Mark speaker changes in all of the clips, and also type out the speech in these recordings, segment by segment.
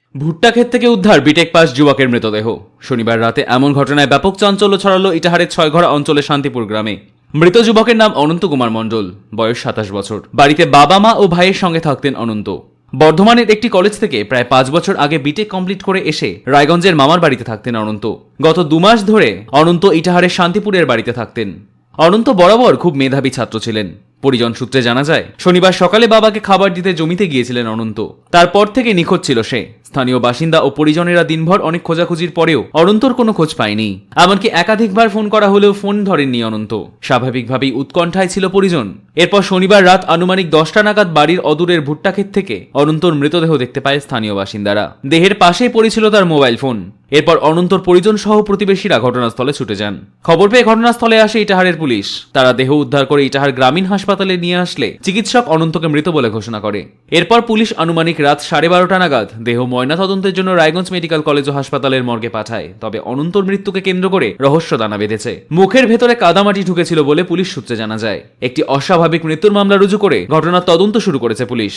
Speaker 1: ভুট্টা ক্ষেত থেকে উদ্ধার বিটেক পাস যুবকের মৃতদেহ। শনিবার রাতে এমন ঘটনায় ব্যাপক চাঞ্চল্য ছড়ালো ইটাহারের ছয়ঘরা অঞ্চলের শান্তিপুর গ্রামে। মৃত যুবকের নাম অনন্ত কুমার মণ্ডল, বয়স 27 বছর। বাড়িতে বাবা মা ও ভাইয়ের সঙ্গে থাকতেন অনন্ত। বর্ধমানের একটি কলেজ থেকে প্রায় 5 বছর আগে বিটেক কমপ্লিট করে এসে রায়গঞ্জের মামার বাড়িতে থাকতেন অনন্ত। গত 2 মাস ধরে অনন্ত ইটাহারের শান্তিপুরের বাড়িতে থাকতেন। অনন্ত বরাবর খুব মেধাবী ছাত্র ছিলেন। পরিজন সূত্রে জানা যায়, শনিবার সকালে বাবাকে খাবার দিতে জমিতে গিয়েছিলেন অনন্ত। তারপর থেকে নিখোঁজ ছিল সে। স্থানীয় বাসিন্দা ও পরিজনেরা দিনভর অনেক খোঁজাখুঁজির পরেও অনন্তর কোনো খোঁজ পায়নি। এমনকি একাধিকবার ফোন করা হলেও ফোন ধরেননি অনন্ত। স্বাভাবিকভাবেই উৎকণ্ঠায় ছিল পরিজন। এরপর শনিবার রাত আনুমানিক 10টা নাগাদ বাড়ির অদূরের ভুট্টা ক্ষেত থেকে অনন্তর মৃতদেহ দেখতে পায় স্থানীয় বাসিন্দারা। দেহের পাশেই পড়েছিল তার মোবাইল ফোন। এরপর অনন্তর পরিজন সহ প্রতিবেশীরা ঘটনাস্থলে ছুটে যান। খবর পেয়ে ঘটনাস্থলে আসে ইটাহারের পুলিশ। তারা দেহ উদ্ধার করে ইটাহার গ্রামীণ হাসপাতালে নিয়ে আসলে চিকিৎসক অনন্তকে মৃত বলে ঘোষণা করে। এরপর পুলিশ আনুমানিক রাত 12:30 নাগাদ দেহ ময়নাতদন্তের জন্য রায়গঞ্জ মেডিকেল কলেজ ও হাসপাতালের মর্গে পাঠায়। তবে অনন্তর মৃত্যুকে কেন্দ্র করে রহস্য দানা বেঁধেছে। মুখের ভেতরে কাদামাটি ঢুকেছিল বলে পুলিশ সূত্রে জানা যায়। একটি অস্বাভাবিক মৃত্যুর মামলা রুজু করে ঘটনার তদন্ত শুরু করেছে police.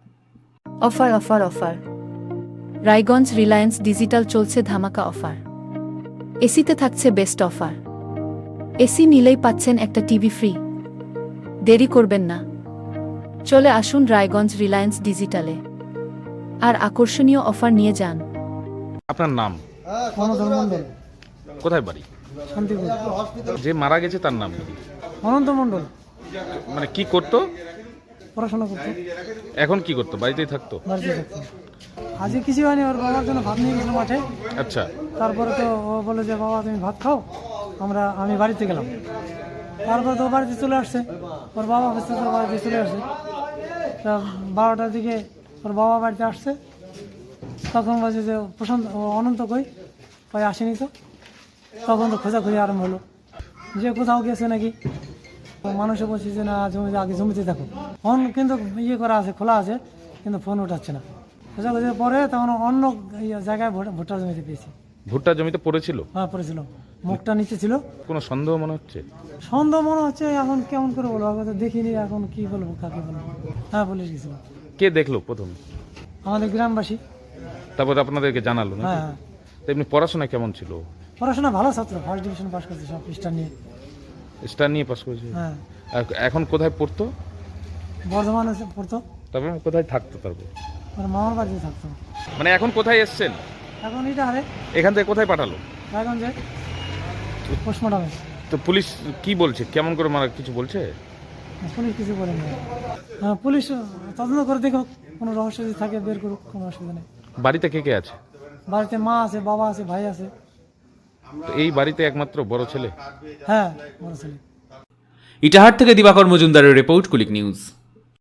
Speaker 2: Offer offer offer! Raiganj reliance digital চলছে ধামাকা অফার। এসিতে থাকছে বেস্ট অফার। এসি নিলেই পাচ্ছেন একটা টিভি ফ্রি। দেরি করবেন না, চলে আসুন রায়গঞ্জ রিলায়েন্স ডিজিটালে আর আকর্ষণীয় অফার নিয়ে যান।
Speaker 3: আপনার নাম?
Speaker 4: মনোধর মণ্ডল,
Speaker 3: কোথায় বাড়ি?
Speaker 4: শান্তিপুর।
Speaker 3: যে মারা গেছে তার নাম কি?
Speaker 4: অনন্ত মণ্ডল।
Speaker 3: মানে কি করতো?
Speaker 4: পড়াশোনা করতো।
Speaker 3: এখন কি করতো? বাড়িতেই থাকতো?
Speaker 4: বাড়িতে থাকতো। আজকে কিছু হয়নি, ওর বাবার জন্য ভাত নিয়ে গেছিল মাঠে।
Speaker 3: আচ্ছা।
Speaker 4: তারপরে তো ও বলে যে বাবা তুমি ভাত খাও, আমি বাড়িতে গেলাম। তারপরে তো ও বাড়িতে চলে আসছে, ওর বাবা অফিসে তো বাড়িতে চলে আসছে। তা 12টার দিকে ওর বাবা বাড়িতে আসছে, তখন বলছে যে প্রশান্ত অনন্ত কই আসেনি তো। তখন তো খোঁজাখুঁজি আরম্ভ হলো যে কোথাও গেছে নাকি। মানুষও বলছে যে না আগে জমিতে থাকো। ফোন কিন্তু করা আছে, খোলা আছে, কিন্তু ফোন উঠাচ্ছে না। খোঁজাখুঁজির পরে তখন অন্য জায়গায় ভুট্টা জমিতে পেয়েছি।
Speaker 3: ভুট্টা জমিতে পড়েছিল?
Speaker 4: হ্যাঁ পড়েছিল, মুখটা নিচে ছিল।
Speaker 3: কোনো সন্দেহ মনে হচ্ছে?
Speaker 4: সন্দেহ মনে হচ্ছে, এখন কেমন করে বলবো, আগে তো দেখিনি, এখন কি বলবো, কাকে বলবো। হ্যাঁ পুলিশ গেছিল।
Speaker 3: কে দেখলো প্রথম?
Speaker 4: আমাদের গ্রামবাসী।
Speaker 3: তারপর আপনাদেরকে জানালো না?
Speaker 4: হ্যাঁ হ্যাঁ।
Speaker 3: তো এমনি পড়াশোনা কেমন ছিল?
Speaker 4: পড়াশোনা ভালো ছাত্র, ফার্স্ট ডিভিশন পাস করছে সব স্টার নিয়ে।
Speaker 3: স্টার নিয়ে পাস করেছে?
Speaker 4: হ্যাঁ।
Speaker 3: আর এখন কোথায় পড়তো?
Speaker 4: বর্ধমানে পড়তো।
Speaker 3: তারপর কোথায় থাকতো? তারপর
Speaker 4: ওর মামার বাড়িতে থাকতো।
Speaker 3: মানে এখন কোথায় এসছেন?
Speaker 4: এখন এটা হারে
Speaker 3: এখান থেকে কোথায় পাঠালো?
Speaker 4: রায়গঞ্জে পোস্টমর্টমে।
Speaker 3: তো পুলিশ কি বলছে? কেমন করে মারা, কিছু বলছে?
Speaker 4: পুলিশ কিছু বলেনি। হ্যাঁ পুলিশ তদন্ত করে দেখো, কোনো রহস্য যদি থাকে বের করুক, কোনো অসুবিধা নেই।
Speaker 3: বাড়িতে কে কে আছে?
Speaker 4: বাড়িতে মা আছে, বাবা আছে, ভাই আছে।
Speaker 3: তো এই বাড়িতে একমাত্র বড় ছেলে?
Speaker 4: হ্যাঁ বড় ছেলে।
Speaker 1: ইটাহার থেকে দিবাকর মজুমদারের রিপোর্ট, কুলিক নিউজ।